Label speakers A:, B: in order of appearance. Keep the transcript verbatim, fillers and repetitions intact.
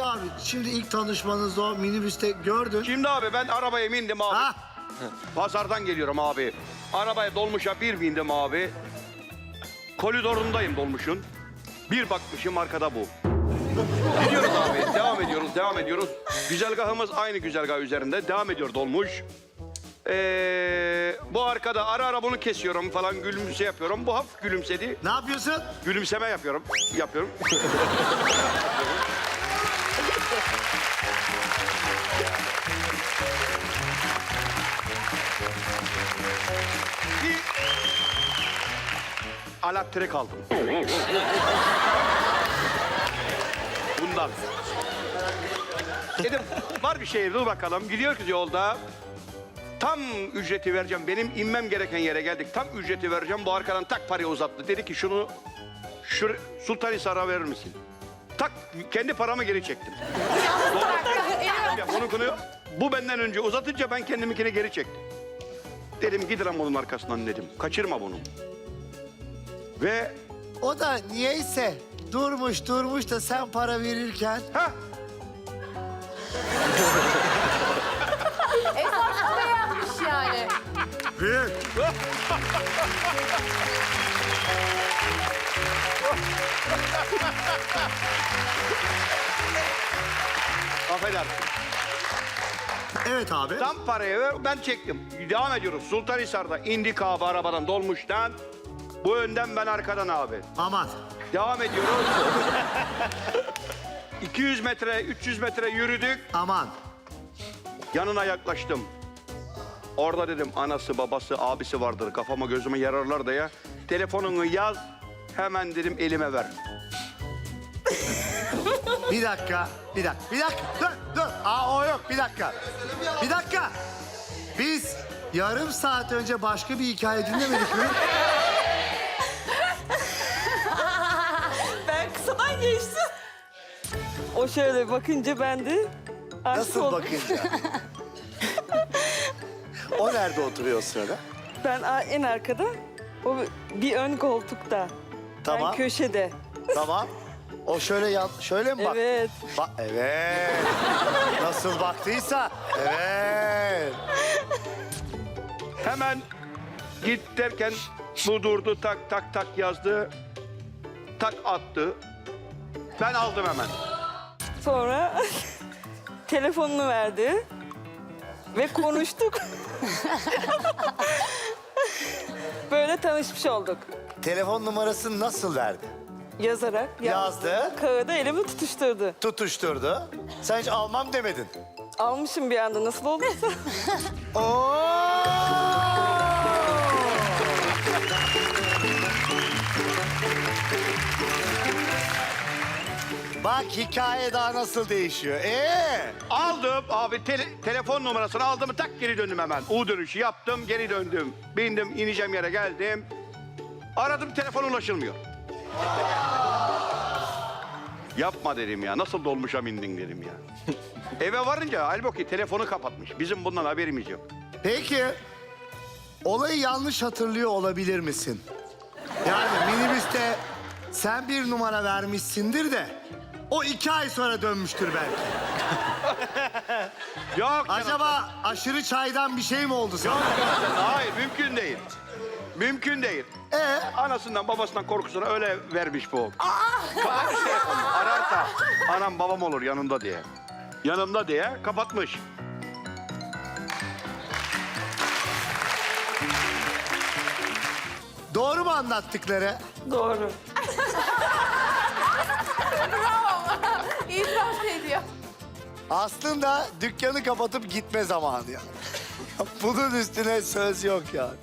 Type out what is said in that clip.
A: Peki abi şimdi ilk tanışmanızda o minibüste gördün.
B: Şimdi abi ben arabaya bindim abi.
A: Ha?
B: Pazardan geliyorum abi. Arabaya dolmuşa bir bindim abi. Koridorundayım dolmuşun. Bir bakmışım arkada bu. Gidiyoruz abi. Devam ediyoruz, devam ediyoruz. Güzergahımız aynı güzergah üzerinde. Devam ediyor dolmuş. Ee, bu arkada ara ara bunu kesiyorum falan, gülümse yapıyorum. Bu hafif gülümsedi.
A: Ne yapıyorsun?
B: Gülümseme yapıyorum. Yapıyorum. Bir alaptire kaldım. Bundan. Dedim var bir şey, dur bakalım. Gidiyoruz yolda. Tam ücreti vereceğim. Benim inmem gereken yere geldik. Tam ücreti vereceğim. Bu arkadan tak parayı uzattı. Dedi ki şunu şu Sultanhisar'a verir misin? Tak kendi paramı geri çektim. Onu konuyor. Bu benden önce uzatınca ben kendiminkini geri çektim. Dedim gidelim onun arkasından dedim. Kaçırma bunu. Ve
A: O da niyeyse durmuş durmuş da sen para verirken.
B: ha
C: Esasında beğenmiş yani.
A: Büyük.
B: affedersin.
A: Evet abi.
B: Tam parayı ver, ben çektim. Devam ediyoruz. Sultanhisar'da indik abi arabadan dolmuştan. Bu önden ben arkadan abi.
A: Aman.
B: Devam ediyoruz. iki yüz metre, üç yüz metre yürüdük.
A: Aman.
B: Yanına yaklaştım. Orada dedim anası, babası, abisi vardır. Kafama gözüme yararlar da ya. Telefonunu yaz, hemen dedim elime ver.
A: Bir dakika. Bir dakika. Bir dakika. Dur dur. Aa o yok. Bir dakika. Bir dakika. Biz yarım saat önce başka bir hikaye dinlemedik mi?
D: Ben kısadan geçtim. O şöyle bakınca ben de aşık
A: Nasıl
D: oldum.
A: bakınca? O nerede oturuyor o sırada?
D: Ben a- en arkada, o bir ön koltukta.
A: Tamam.
D: Ben köşede.
A: Tamam. O şöyle yan, şöyle mi bak?
D: Evet.
A: Bak evet. Nasıl baktıysa evet.
B: Hemen git derken bu durdu, tak tak tak yazdı. Tak attı. Ben aldım hemen.
D: Sonra telefonunu verdi ve konuştuk. Böyle tanışmış olduk.
A: Telefon numarasını nasıl verdi?
D: Yazarak
A: Yazdı.
D: Kağıda elimi tutuşturdu.
A: Tutuşturdu. Sen hiç almam demedin.
D: Almışım bir anda nasıl olduysa.
A: Oo! Bak hikaye daha nasıl değişiyor. Ee?
B: Aldım abi tele- telefon numarasını aldım, tak geri döndüm hemen. U dönüşü yaptım, geri döndüm. Bindim, ineceğim yere geldim. Aradım, telefon ulaşılmıyor. Yapma dedim ya, nasıl dolmuşa bindin dedim ya. Eve varınca halbuki telefonu kapatmış. Bizim bundan haberimiz yok.
A: Peki olayı yanlış hatırlıyor olabilir misin? Yani minibüste sen bir numara vermişsindir de o iki ay sonra dönmüştür belki.
B: Yok.
A: Acaba aşırı çaydan bir şey mi oldu sana?
B: Hayır, mümkün değil. Mümkün değil.
A: Ee?
B: Anasından babasından korkusuna öyle vermiş bu. Bana bir şey yapalım, ararsa anam babam olur yanımda diye. Yanımda diye kapatmış.
A: Doğru mu anlattıkları?
D: Doğru.
C: İtiraf ediyor.
A: Aslında dükkanı kapatıp gitme zamanı ya. Bunun üstüne söz yok ya.